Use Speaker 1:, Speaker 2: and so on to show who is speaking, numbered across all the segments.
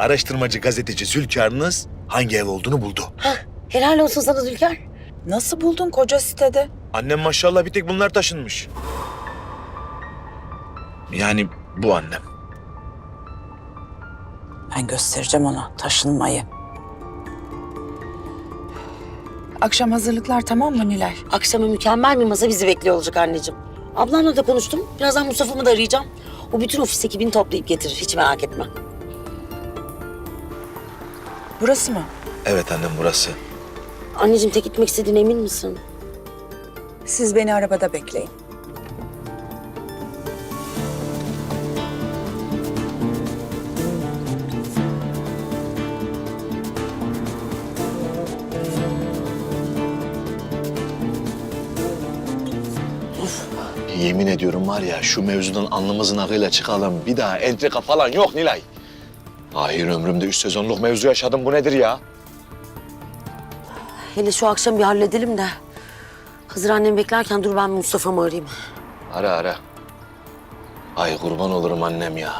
Speaker 1: araştırmacı gazeteci Zülkar'ınız hangi ev olduğunu buldu.
Speaker 2: Hah, helal olsun sana Zülkar.
Speaker 3: Nasıl buldun koca sitede?
Speaker 1: Annem maşallah bir tek bunlar taşınmış. Yani bu annem.
Speaker 3: Ben göstereceğim ona taşınmayı. Akşam hazırlıklar tamam mı Nilay?
Speaker 2: Akşama mükemmel bir masa bizi bekliyor olacak anneciğim. Ablamla da konuştum. Birazdan Mustafa'mı da arayacağım. O bütün ofis ekibini toplayıp getirir. Hiç merak etme.
Speaker 3: Burası mı?
Speaker 1: Evet annem burası.
Speaker 2: Anneciğim tek gitmek istediğine emin misin?
Speaker 3: Siz beni arabada bekleyin.
Speaker 1: Yemin ediyorum var ya şu mevzudan alnımızın akıyla çıkalım. Bir daha entrika falan yok Nilay. Hayır ömrümde 3 sezonluk mevzu yaşadım. Bu nedir ya?
Speaker 2: Hele şu akşam bir halledelim de. Hazır annem beklerken dur ben Mustafa'mı arayayım.
Speaker 1: Ara ara. Ay kurban olurum annem ya.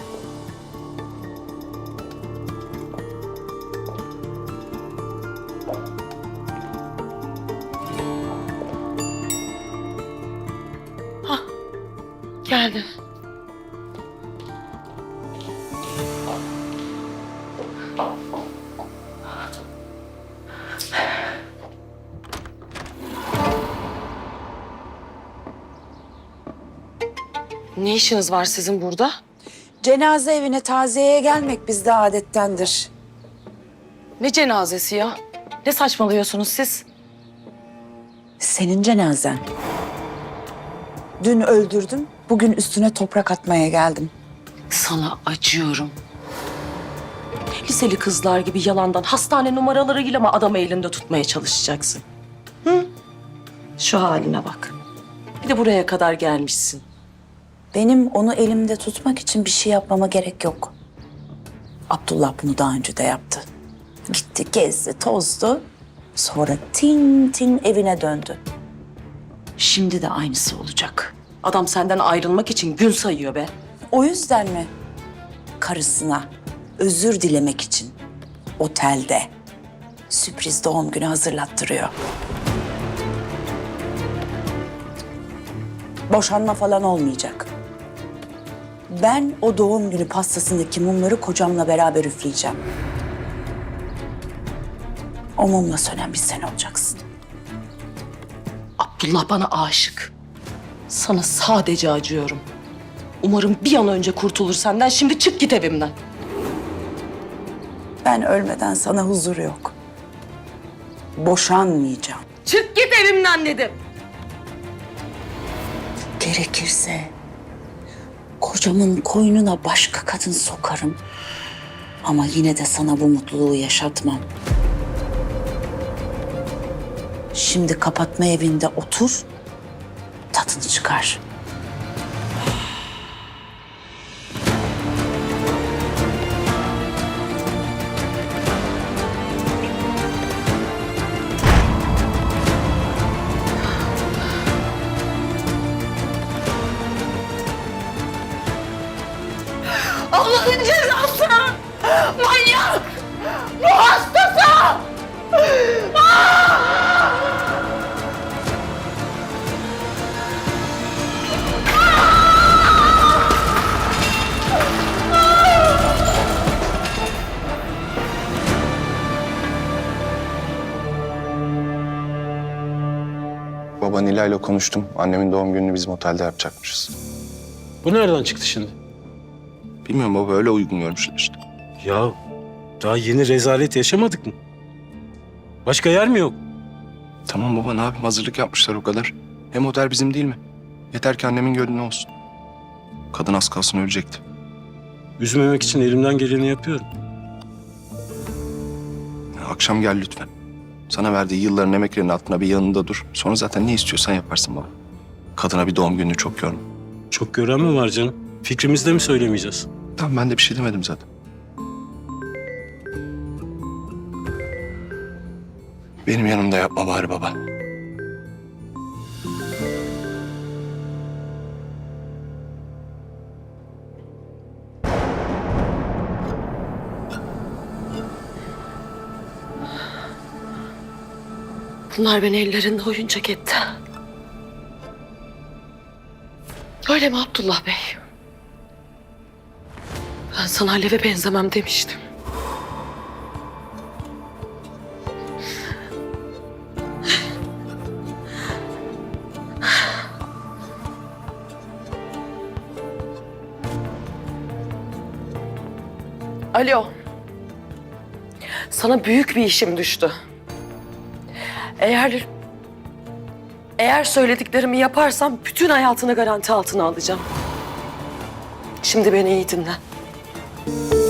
Speaker 2: Geldi. Ne işiniz var sizin burada?
Speaker 3: Cenaze evine taziyeye gelmek bizde adettendir.
Speaker 4: Ne cenazesi ya? Ne saçmalıyorsunuz siz?
Speaker 3: Senin cenazen. Dün öldürdüm, bugün üstüne toprak atmaya geldim.
Speaker 4: Sana acıyorum. Liseli kızlar gibi yalandan hastane numaralarıyla mı adamı elinde tutmaya çalışacaksın? Hı? Şu haline bak. Bir de buraya kadar gelmişsin.
Speaker 3: Benim onu elimde tutmak için bir şey yapmama gerek yok. Abdullah bunu daha önce de yaptı. Gitti, gezdi, tozdu. Sonra tin tin evine döndü. Şimdi de aynısı olacak.
Speaker 4: Adam senden ayrılmak için gün sayıyor be.
Speaker 3: O yüzden mi? Karısına özür dilemek için otelde sürpriz doğum günü hazırlattırıyor. Boşanma falan olmayacak. Ben o doğum günü pastasındaki mumları kocamla beraber üfleyeceğim. O mumla sönen bir sen olacaksın.
Speaker 4: Abdullah bana aşık. Sana sadece acıyorum. Umarım bir an önce kurtulur senden. Şimdi çık git evimden.
Speaker 3: Ben ölmeden sana huzur yok. Boşanmayacağım.
Speaker 4: Çık git evimden dedim.
Speaker 3: Gerekirse kocamın koynuna başka kadın sokarım. Ama yine de sana bu mutluluğu yaşatmam. Şimdi kapatma evinde otur, tadını çıkar.
Speaker 4: Allah'ın cezası! Manyak! Bu hastası!
Speaker 5: Baba Nilay'la konuştum. Annemin doğum gününü bizim otelde yapacakmışız.
Speaker 6: Bu nereden çıktı şimdi?
Speaker 5: Bilmiyorum baba öyle uygun görmüşler işte.
Speaker 6: Ya daha yeni rezalet yaşamadık mı? Başka yer mi yok?
Speaker 5: Tamam baba ne yapayım hazırlık yapmışlar o kadar. Hem otel bizim değil mi? Yeter ki annemin gönlü olsun. Kadın az kalsın ölecekti.
Speaker 6: Üzmemek için elimden geleni yapıyorum.
Speaker 5: Ya, akşam gel lütfen. Sana verdiği yılların emeklerinin altına bir yanında dur. Sonra zaten ne istiyorsan yaparsın baba. Kadına bir doğum gününü çok yorma.
Speaker 6: Çok gören mi var canım? Fikrimizde mi söylemeyeceğiz?
Speaker 5: Tamam ben de bir şey demedim zaten. Benim yanımda yapma bari baba.
Speaker 4: Bunlar beni ellerinde oyuncak etti. Öyle mi Abdullah Bey? Ben sana Alev'e benzemem demiştim. Alo. Sana büyük bir işim düştü. Eğer söylediklerimi yaparsan bütün hayatını garanti altına alacağım. Şimdi beni iyi dinle.